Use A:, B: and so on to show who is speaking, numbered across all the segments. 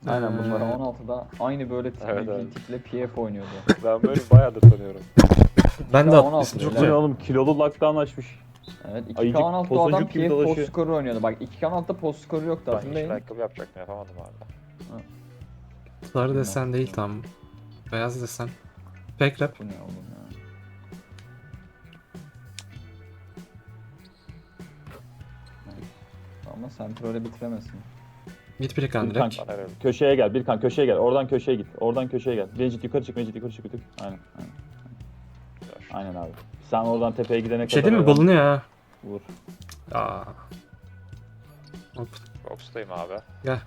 A: Aynen bunlar 16'da aynı böyle
B: Evet, evet.
A: tiple PF oynuyordu.
B: Ben böyle bayağıdır tanıyorum.
C: Ben de
A: Ya 16
C: ismi çok
A: böyle.
D: Bu ne
C: güzel.
D: oğlum, kilolu lockdown açmış.
A: Evet
D: Ayıcık,
A: 2K16'da adam
D: tosuncuk gibi
A: PF post
D: dolaşıyor.
A: skoru oynuyordu. Bak 2K16'da post skoru yoktu
B: Ben yeşil
A: hatırlayın.
B: ayakkabı yapacaktım, yapamadım abi.
C: Sarı desen değil tam. Beyaz desen. Pek rap.
A: Bu ne oğlum ya. Ama sen öyle bitiremezsin.
C: Git bir kan
D: Bir
C: direkt.
D: kan.
B: Bana öyle.
D: Köşeye gel, bir kan köşeye gel. Oradan köşeye git. Oradan köşeye gel. Mecit yukarı çık, Mecit yukarı çık bir tık. Aynen, aynen. Aynen abi. Sen oradan tepeye gidene
C: Bir şey
D: kadar
C: değil mi?
D: oradan
C: Bulunuyor ha.
D: vur.
C: Aa. Hop.
B: Box'tayım abi.
C: Gel.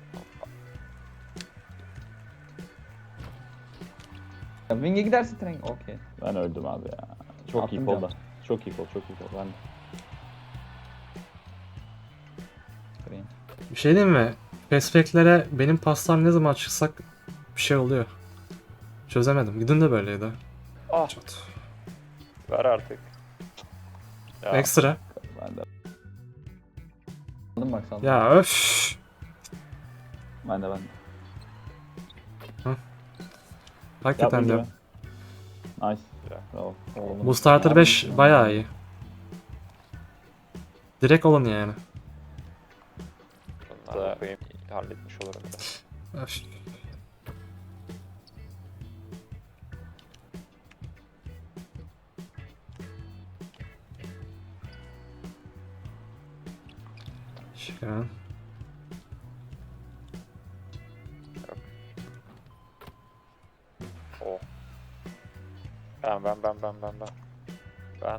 A: Ya Wing'e gidersin tren. Okey.
D: Ben öldüm abi ya. Çok iyi
A: Attım
D: kolda.
A: can.
D: Çok iyi kol, çok iyi kol. Ben
A: Green.
C: Bir şey diyeyim mi? Perspektlere benim paslar ne zaman çıksak bir şey oluyor. Çözemedim. Gidin de böyleydi.
B: Ah,
C: Çat.
B: ver artık. Ya,
C: Ekstra.
D: ben de
A: Aldım bak sandım.
C: Ya öf.
D: ben de.
C: Hakikaten
D: Yapma
C: de.
D: gibi. Nice.
B: Ya.
D: Bravo.
A: Oğlum.
C: Bu starter 5
A: Aldım.
C: bayağı iyi. Direkt olun yani.
B: bunları da koyayım, halletmiş olurum da.
C: Öf. Şükran.
B: Oh. Ben. Ben.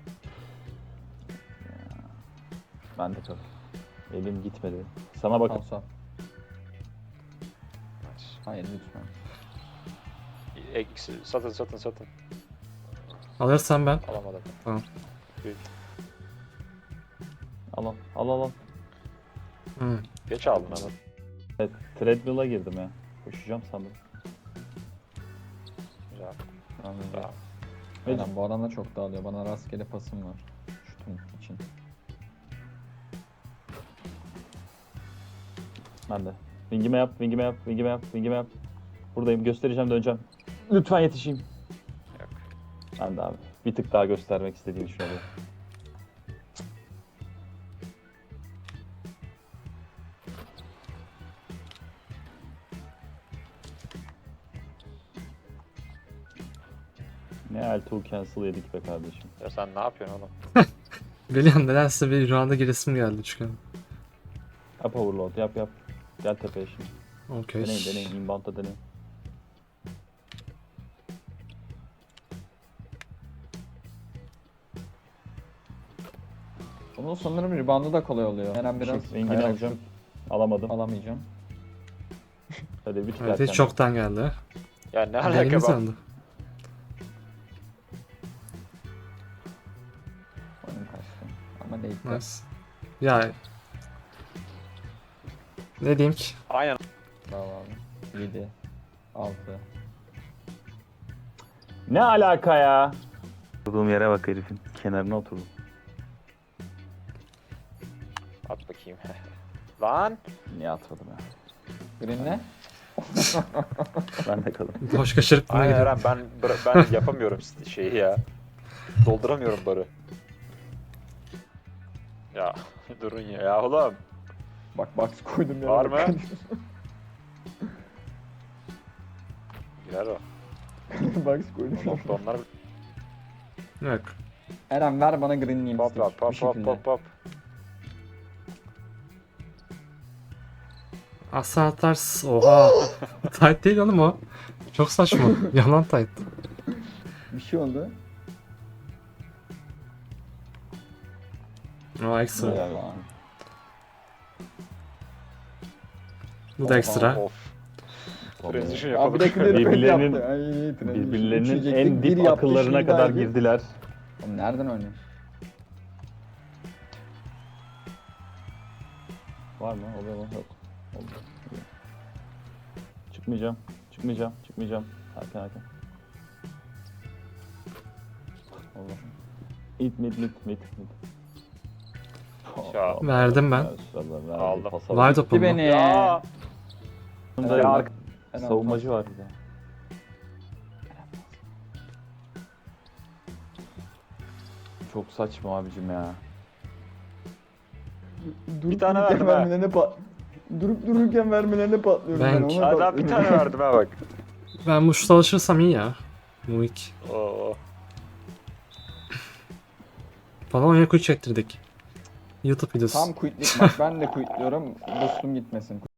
D: Ben de tabii. Elim gitmedi. Sana bakın.
A: Kalsa. Hayır lütfen.
B: Eksi, satın.
C: Alırsam ben.
B: Alamadım.
C: Tamam.
D: Al.
C: Hı.
B: Geç aldın ama.
D: Evet, treadmill'a girdim ya. Koşacağım sandım.
B: Güzel.
A: Anladım.
B: Bravo.
A: Aynen bu adam da çok dağılıyor. Bana rastgele pasım var. Şutun için.
D: Ben de. Wing'ime yap. Buradayım, göstereceğim, döneceğim. Lütfen yetişeyim.
B: Yok.
D: Ben de abi. Bir tık daha göstermek istediğim için oluyor. Ne L2 cancel yedik be kardeşim.
B: Ya sen ne yapıyorsun oğlum?
C: Biliyorum nedense bir randa giresim geldi çünkü.
D: Yap overload, yap. Gel tepeye şimdi.
C: Okey.
D: Deneyin. Inbound'da deneyin.
A: Bunun sanırım rebound'u da kolay oluyor. Eren biraz
D: Wing'ini
A: kayarak
D: alacağım.
A: şut
D: Alamadım.
A: alamayacağım.
D: Hadi bir tık
C: Evet
D: erken.
C: hiç çoktan geldi.
B: Ya ne alaka
C: Elini
B: ben?
C: sandı.
A: Oyun kaçtı. Ama değil.
C: Nice. Ya. Ne diyeyim ki?
B: Aynen.
A: Bravo abi. 7. 6.
D: Ne alaka ya? Oturduğum yere bak herifin. Kenarına oturdum.
B: At bakayım. Lan.
D: Niye atmadım ya?
A: Green ne?
D: Ben de kalın.
C: Boş kaçırıp buna
B: Aynen
C: gidiyor.
B: Eren, ben yapamıyorum şeyi ya. Dolduramıyorum barı. Ya durun ya oğlum.
A: Bak box koydum ya.
B: Var mı? Girer o.
A: Box koydum.
B: Onlar
C: Yok.
A: Eren ver bana green'liyim.
B: pop pop.
C: Aslan atars. Oha. Tight değil oğlum o. Çok saçma. Yalan tight.
A: Bir şey oldu.
C: O ekstra.
D: Helal
A: Oha.
D: olsun.
C: Bu da ekstra.
B: Of. Transition
A: Abi
B: yapalım.
A: de clear
D: Birbirlerinin-
A: yaptı. Ay, transition.
D: Birbirlerinin
A: Üçüncekte
D: en
A: bir
D: dip
A: yaptı,
D: akıllarına
A: şimdi
D: kadar
A: verdi.
D: girdiler.
A: Oğlum nereden oynuyor?
D: Var mı? Oluyor mu? Yok. Oldu. Çıkmayacağım. Erken. Allah. Mid.
B: Ya.
C: Verdim ben.
D: Maşallah, verdi,
B: Aldım.
D: pasa
C: Var
D: bak.
C: topum.
A: beni.
B: Ya.
D: Bunda
A: En
D: arka-
A: en
D: savunmacı var bir de. Çok saçma abicim ya.
B: Bir tane verdim ha.
A: Durup dururken vermelerine patlıyorum
C: Ben-
A: ona
B: Adam bir tane verdim ha bak.
C: Ben bu şuta alışırsam iyi ya. Muik.
B: Oo.
C: Bana Onyekuru çektirdik. YouTube videosu.
A: Tam quitlik bak ben de quitliyorum. Boostum gitmesin.